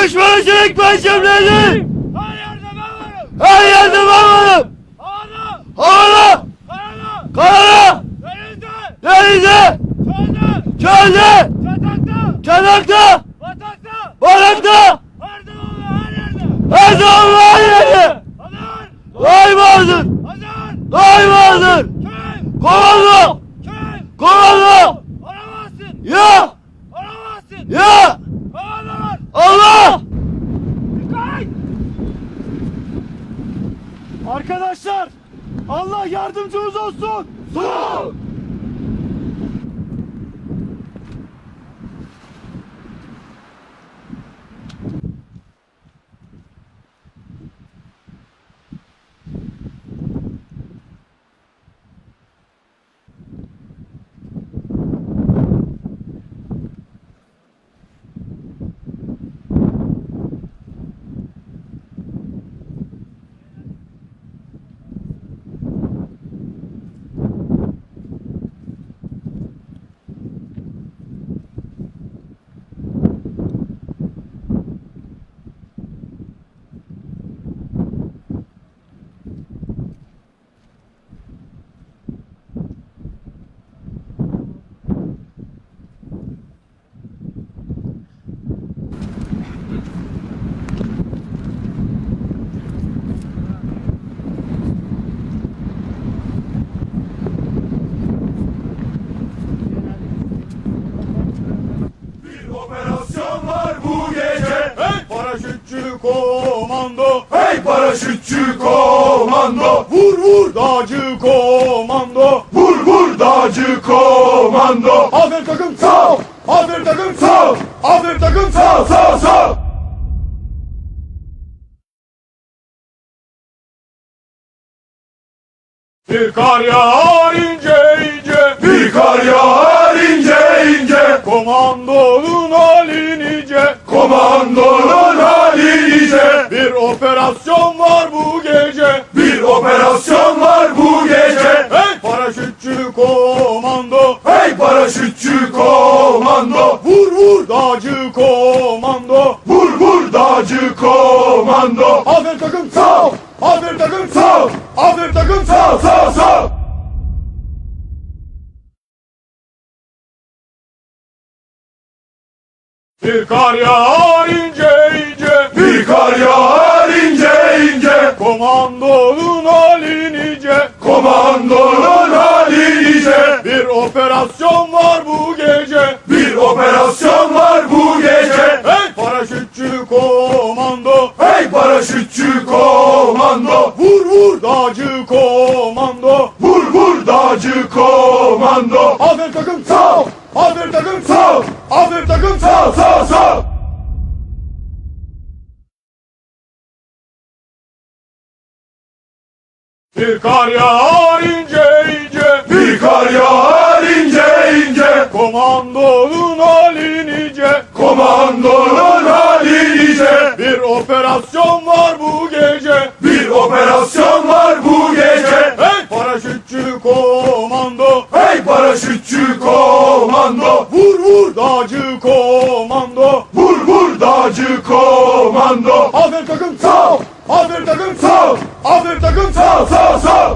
Düşman çelik perçemlerini. Her yerde ben varım. Her yerde ben varım. Havada. Havada. Karada. Karada. Denizde. Denizde. Çölde. Çölde. Çatakta. Çanakta. Batakta. Barakta. Her zaman her yerde. Her zaman her yerde. Hazır. Daimazdır. Hazır. Daimazdır. Kim? Komando. Kim? Komando. Aramazsın. Ya. Aramazsın. Ya. Havalar. Allah. Dikkat. Arkadaşlar, Allah yardımcımız olsun. Sol. Operasyon var bu gece. Hey paraşütçü komando, Hey paraşütçü komando. vur vur dağcı komando. Vur vur dağcı komando. Aferin takım Sağ ol. aferin takım Sağ ol. aferin takım Sağ ol, sağ ol, sağ ol. Bir kar yağar ince ince, Bir kar yağar ince ince. komandonun hali nice. Komandonun hali nice. Bir operasyon var bu gece. Bir operasyon var bu gece. Hey paraşütçü komando, Hey paraşütçü komando. vur vur dağcı komando. Vur vur dağcı komando. Aferin takım Sağ ol. aferin takım Sağ ol. aferin takım Sağ ol, sağ ol, sağ ol. Bir kar yağar ince ince, Bir kar yağar ince ince. komandonun hali nice. Komandonun hali nice. Bir operasyon var bu gece. Bir operasyon var bu gece. Hey paraşütçü komando, Hey paraşütçü komando. vur vur dağcı komando. Vur vur dağcı komando. Aferin takım Sağ ol. aferin takım Sağ ol. aferin takım Sağ ol, sağ ol, sağ ol. Bir kar yağar ince ince, Bir kar yağar ince ince. komandonun hali nice. Komandonun hali nice. Bir operasyon var bu gece. Bir operasyon var bu gece. Hey paraşütçü komando, Hey paraşütçü komando. vur vur dağcı komando. Vur vur dağcı komando. Aferin takım Sağ ol. aferin takım Sağ ol. aferin takım Sağ ol, sağ ol, sağ ol.